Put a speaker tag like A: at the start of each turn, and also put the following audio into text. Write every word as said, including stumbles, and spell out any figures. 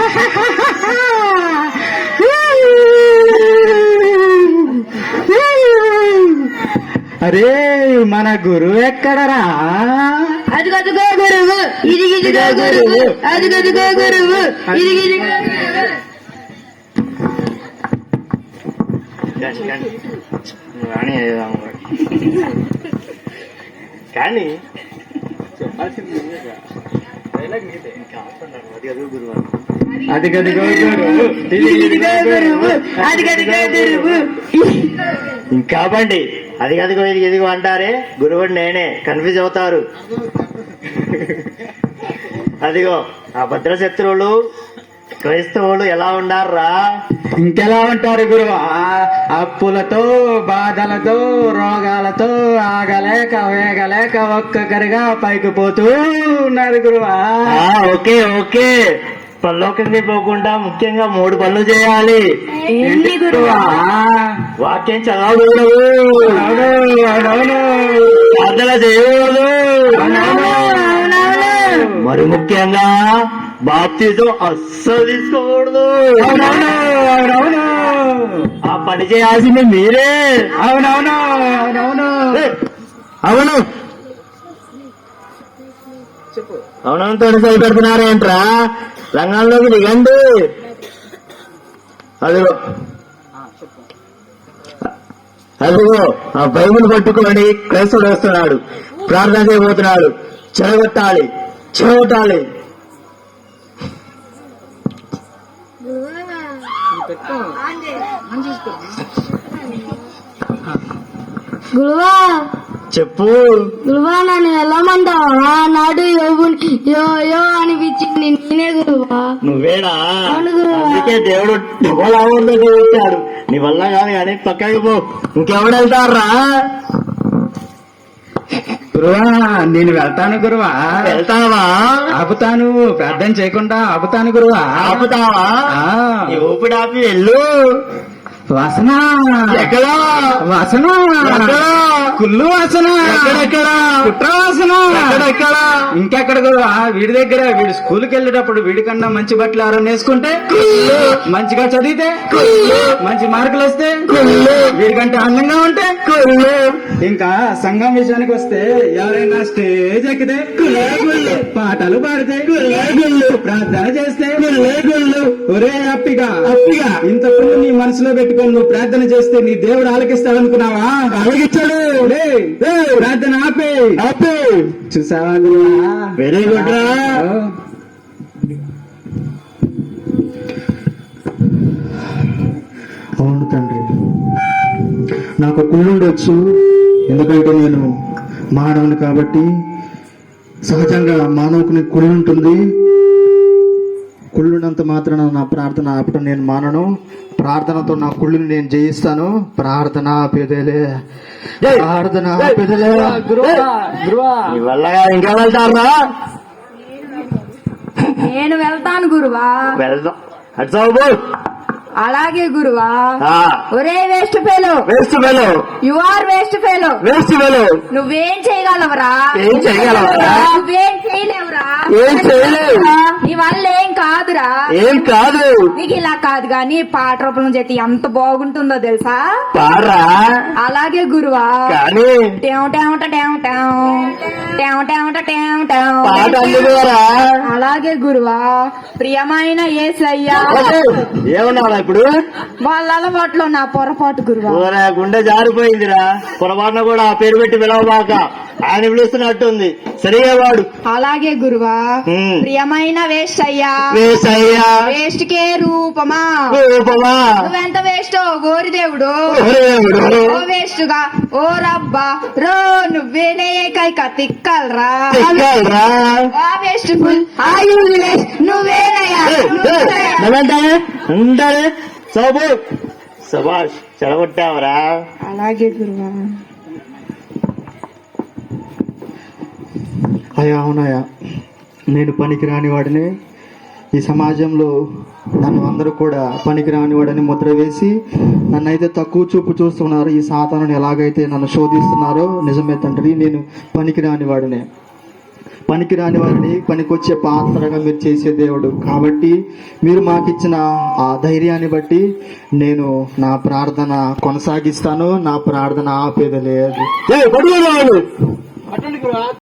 A: అరే మన గురువు ఎక్కడరా?
B: అది గదుగో గురువు, ఇది గిదిగో గురువు, అది గదుగో గురువు, ఇది గిదిగో గురువు.
C: కానీ
A: అది గదిగో గురువు,
B: ఇది గిదిగో గురువు, అది గదుగో గురువు.
C: ఇంకా బండి అది గదిగో ఇది ఎదిగో అంటారే, గురువు నేనే, కన్ఫ్యూజ్ అవుతారు. అదిగో ఆ భద్రశత్రువులు క్రైస్తవులు ఎలా ఉండారా?
A: ఇంకెలా ఉంటారు గురువా? అప్పులతో, బాధలతో, రోగాలతో ఆగలేక వేగలేక ఒక్కొక్కరిగా పైకి పోతూ ఉన్నారు గురువా.
C: ఓకే ఓకే, పల్లోకి పోకుండా ముఖ్యంగా మూడు పనులు చేయాలి.
B: ఏంటి గురువా?
C: వాక్యం చదవకూడదు, ప్రార్థన చేయకూడదు, మరి ముఖ్యంగా బాప్తిజం అస్సలు తీసుకోకూడదు.
A: అవునవును,
C: ఆ పని చేయాల్సింది మీరే.
A: అవునవును అవునవును
C: అవును అవునంతో సరిపెడుతున్నారేంట్రా? రంగంలోకి దిగండి. అదిగో అదిగో ఆ బైబిల్ పట్టుకొని క్రైస్తవుడు వస్తున్నాడు, ప్రార్థన చేయబోతున్నాడు. చెడగొట్టాలి, చెడగొట్టాలి.
B: గురువా
C: చెప్పు.
B: గురువా నన్ను వెళ్ళమంటావా? నాడు యోగుని యో యో అనిపించింది నేనే గురువా.
C: నువ్వేనా?
B: అవును గురువా.
C: అందుకే దేవుడు డబ్బులు వచ్చాడు. నీ వల్ల కాదు కానీ పక్కకి పో. ఇంకెవడు వెళ్తారా?
A: గురువా నేను వెళ్తాను గురువా.
C: వెళ్తావా?
A: ఆపుతాను, ప్రార్థన చేయకుండా ఆపుతాను గురువా.
C: ఆపుతావా?
A: ఆ.
C: నీ ఊపిడి ఆపి వెళ్ళు.
A: వాసన
C: ఎక్కడా?
A: వాసన
C: ఎక్కడా?
A: కుళ్ళు వాసన
C: ఎక్కడెక్కడా?
A: కుట్ర వాసన
C: ఎక్కడెక్కడా?
A: ఇంకెక్కడ గురువా? వీడి దగ్గర వీడి స్కూల్కి వెళ్ళేటప్పుడు వీడికన్నా మంచి బట్టలు ఎవరైనా వేసుకుంటే, మంచిగా చదివితే, మంచి మార్కులు వస్తే, వీడికంటే అందంగా ఉంటే, ఇంకా సంఘం విషయానికి వస్తే ఎవరైనా స్టేజ్ ఎక్కితే, పాటలు పాడితే, ప్రార్థన చేస్తే, ఒరే అప్పిగా అప్పిగా ఇంతకుముందు నీ మనసులో పెట్టుకొని నువ్వు ప్రార్థన చేస్తే నీ దేవుడు ఆలకిస్తాడనుకున్నావా? ఆలకించాడు. ప్రార్థన ఆపే ఆపే. చూసావా గురువా?
C: వెరీ గుడ్ రా.
D: అవును తండ్రి, నాకు కుళ్ళుండొచ్చు, ఎందుకంటే నేను మానవుని కాబట్టి. సహజంగా మానవునికి కుళ్ళు ఉంటుంది. కుళ్ళున్నంత మాత్రాన నా ప్రార్థన ఆపటం నేను మానను. ప్రార్థనతో నా కుళ్ళుని నేను జయిస్తాను. ప్రార్థన పెదలే, ప్రార్థన పెదలే.
A: గురువా గురువా
C: నీ వల్ల ఇంకా వెళ్తారా?
B: నేను వెళ్తాను గురువా.
C: వెళ్దాం. అటు సాగు.
B: అలాగే గురువా. ఒరే waste fellow,
C: waste fellow,
B: you are waste fellow.
C: Waste fellow.
B: నువ్వేం చేయగలవరా?
C: ఏం చేయగలవరా?
B: నువ్వేం చేయలేవురా?
C: ఏం చేయలేవు.
B: నీ వల్ల ఏం కాదురా.
C: ఏం కాదు.
B: నీకు ఇలా కాదు గాని పాట రూపంలో చెట్టి ఎంత బాగుంటుందో తెలుసా?
C: పారా.
B: అలాగే గురువా.
C: కానీ
B: టేవ్ టేవ్ టేవ్ టేవ్ టేవ్ టేవ్ టేవ్ టేవ్.
C: పాట అందుకోరా.
B: అలాగే గురువా. ప్రియమైన యేసయ్యా.
C: ఏమన్నారా ఇప్పుడు?
B: వాళ్ళ అలవాట్లో నా పొరపాటు గురువా.
C: ఓరా గుండె జారిపోయిందిరా. పొరపాటున కూడా ఆ పేరు పెట్టి పిలవబాక, ఆయన పిలుస్తున్నట్టుంది. సరిగా వాడు.
B: అలాగే గురువా. ప్రియమైన వేస్ట్
C: వేసయ్యా.
B: వేస్ట్ కే రూపమా.
C: రూపమా.
B: నువ్వెంత వేస్టో గోరి దేవుడు. ఓ వేస్ట్ గా ఓ రబ్బా రో నువ్వేనే కైక తిక్కల్రా. ఆ వేస్ట్ ఫుల్ ఆ యూజ్లెస్ నువ్వేనయ్యా.
C: నువ్వేంటానే ఉంటానే సోబు. సభాష్, చెడగొట్టావరా.
B: అలాగే గురువా.
D: అయ్యా అవునయ్యా, నేను పనికిరాని వాడిని. ఈ సమాజంలో నన్ను అందరూ కూడా పనికిరాని వాడని ముద్ర వేసి నన్నైతే తక్కువ చూపు చూస్తున్నారు. ఈ సాతానుని ఎలాగైతే నన్ను శోధిస్తున్నారో నిజమే తండ్రి, నేను పనికిరాని వాడినే. పనికిరాని వారిని పనికొచ్చే పాత్రగా మీరు చేసే దేవుడు. కాబట్టి మీరు మాకు ఇచ్చిన ఆ ధైర్యాన్ని బట్టి నేను నా ప్రార్థన కొనసాగిస్తాను. నా ప్రార్థన ఆపేది లేదు.